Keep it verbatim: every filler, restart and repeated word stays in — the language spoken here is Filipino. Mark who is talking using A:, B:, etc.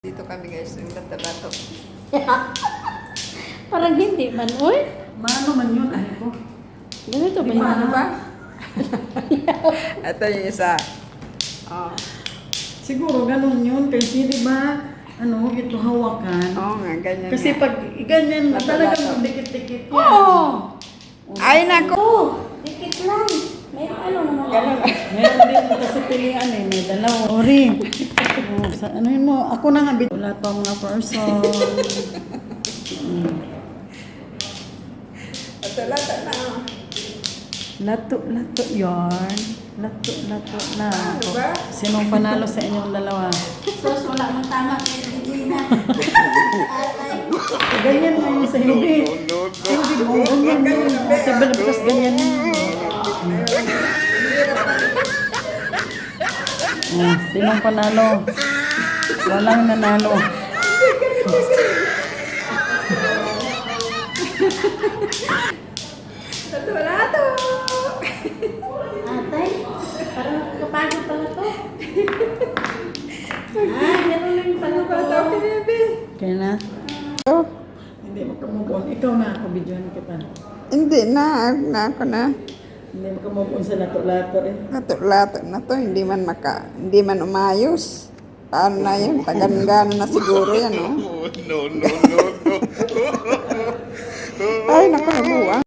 A: Dito kami guys, yung Cotabato.
B: Parang hindi man, uy.
C: Mano man yun, ano ko?
B: Ganito ba
C: Di
B: yun?
A: Ano ba? Ito yung isa. Oh.
C: Siguro ganun yun, kasi di ba, ano, ito hawakan.
A: Oo nga, ganyan
C: Kasi
A: nga.
C: pag ganyan,
A: Lato,
C: talagang
A: lato.
C: dikit-dikit yan.
B: Oo!
A: Ay, naku!
B: Oh, dikit lang. May ano naman.
A: Ganun.
C: Meron din kasi pilihan eh, may dalawa. Ori, oh, sa, ano yun mo, ako na nga, bit- wala pa mga person. mm.
A: Ito, lato na. oh.
C: Lato, lato yarn. Lato, lato na.
A: Ano ba?
C: Sinong panalo sa inyong dalawa?
B: Sos, wala mong tama kay Regina.
C: Ganyan na yun sa hindi. Hindi mo, ganyan yun. Sa balabas ganyan yun. Oh, sinong panalo? Walang nanalo.
A: Lato, lato!
B: Atay, parang nakakapagod pala to. Ah, meron lang pala to.
A: Lato, baby.
C: Kaya na?
A: Oh,
C: Hindi mo kamove on. Ikaw na ako, videohan kita.
A: hindi na. Na ako na.
C: Hindi mo kamove on sa lato-lato eh.
A: Lato, lato na to. Hindi man maka, hindi man umayos. Paano na yun? Tagan-gana na siguro yan, oh.
D: No, no, no, no.
A: Ay, naku, nabuwang.